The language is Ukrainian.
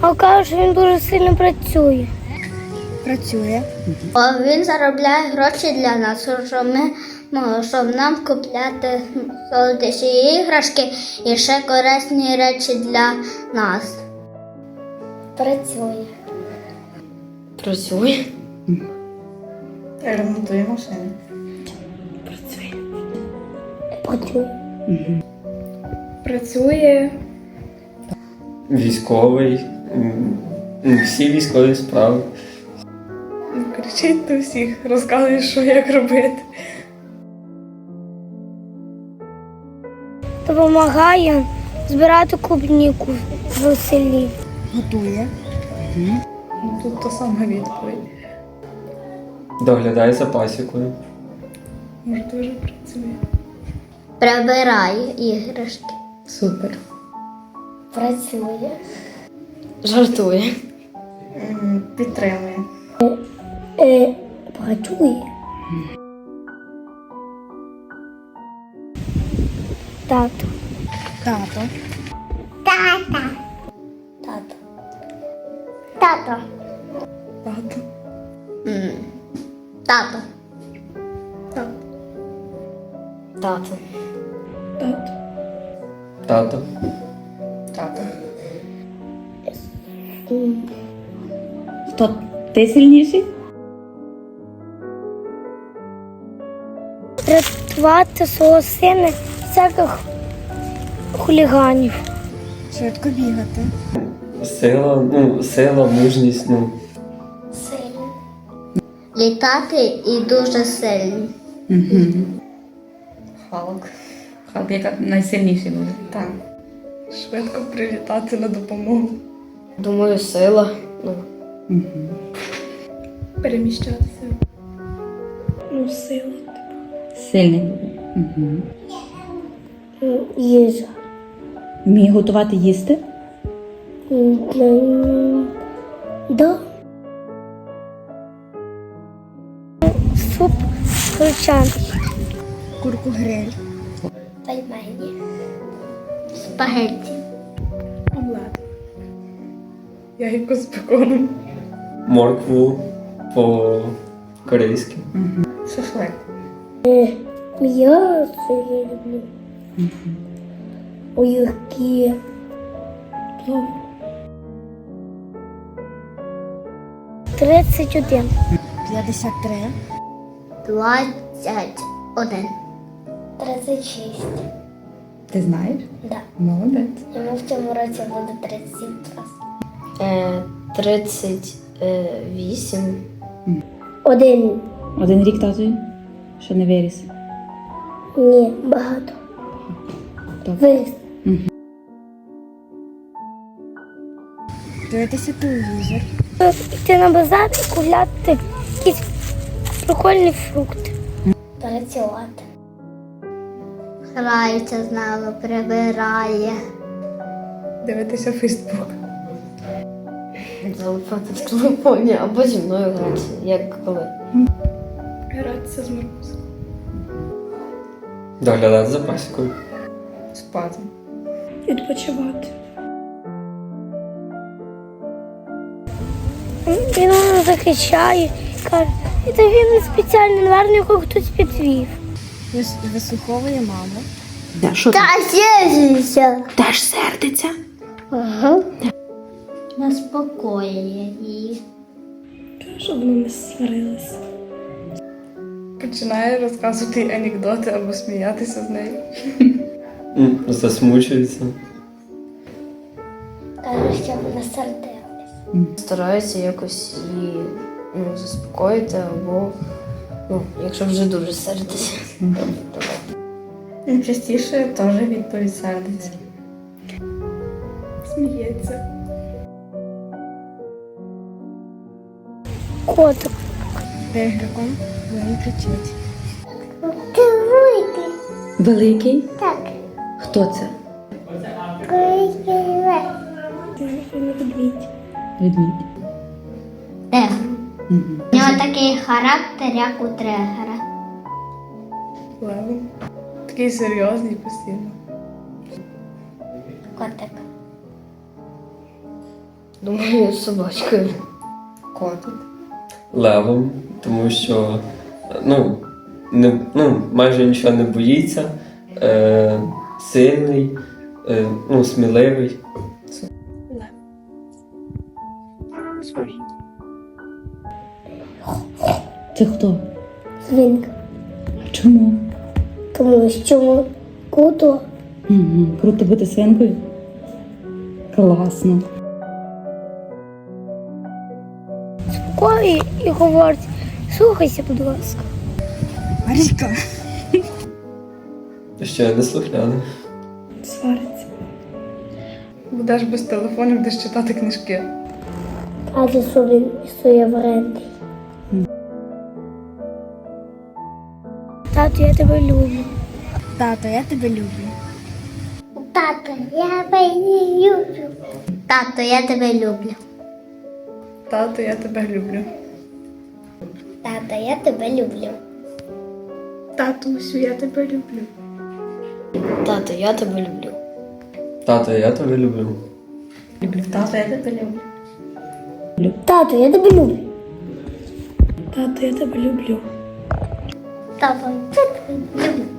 А кажуть, що він дуже сильно працює. Працює. Він заробляє гроші для нас, щоб нам купляти солодощі іграшки і ще корисні речі для нас. Працює. Працює. Ремонтує машини. Працює. Працює. Працює. Військовий. Всі військові справи. Кричить до всіх, розказує, що як робити. Допомагає збирати клубніку в селі. Готує. Тут та сама відповідь. Доглядає за пасікою. Може, дуже працює. Прибирає іграшки. Супер. Працює. Жартує. Підтримує. Працює. Тато. Тато. Тато. Тато. Тато. Тато. Тато. Тато. Тато. Тато. Тато. Хто? Ти сильніший? Рятувати свого сина від всяких хуліганів. Швидко бігати. Сила, мужність, Сильно. Літати і дуже сильний. Халк. Халк, яка найсильніший буде. Так. Швидко прилітати на допомогу. Думаю, сила. Переміщатися. Сила. Сильний буде. Їжа. Вміє готувати їсти? Да. Суп гречаний. Курку гриль. Пельмені. Спагетті. Омлет. Яйко з беконом. моркву по-корейськи. Шашлик. М'ясо я люблю. Огірки. 31. 53. 21. 36. Ти знаєш? Да. Молодець. Йому в цьому році буде 37 раз. 38. Один. Один рік татові? Що не виріс? Ні, багато. Добре. Виріс. Дивитися телевізор. Йти на базар і купляти якісь прикольні фрукти. Працювати. Грається з нами, прибирає. Дивитися Фейсбук. Залипати в телефоні або зі мною грати, як коли. Гратися з Маркусом. Доглядати за пасікою. Спати. Відпочивати. Він мене захищає, каже, це він спеціально, наверно, його хтось підвів. Вислуховує маму. Да, що Та сєжися. теж сердиться? Ага. Заспокоює її. Щоб вони не сварилися. Починає розказувати анекдоти або сміятися з нею. Засмучується. Каже, щоб не сердились. Стараюся якось її заспокоїти або, якщо вже дуже сердиться. Частіше теж відповідь сердиться. Сміється. Котик. Тигриком він кричить. Ти вийди. Великий? Так. Хто це? Медвідь. Ведмідь. Тигр. У нього такий характер, як у тригера. Левом. Такий серйозний постійно. Котик. Думаю, з собачкою. Котик. Левом, тому що майже нічого не боїться, сильний, сміливий. Це хто? Свинка. Чому? Тому що круто. Угу. Круто бути свинкою? Класно. Спокою і говорить, слухайся, будь ласка. Що я не слухняний. Свариться. Будеш без телефону, будеш читати книжки. Каже, що він суєвренний. Тату, я тебе люблю. Тато, я тебе люблю. Тато, я тебе люблю. Тато, я тебе люблю. Тато, я тебе люблю. Тато, я тебе люблю. Татусю, я тебе люблю. Тато, я тебе люблю. Тато, я тебе люблю. Тато, я тебе люблю. Тату, я тебе люблю. Тато, я тебе люблю. Тато, я тебе люблю.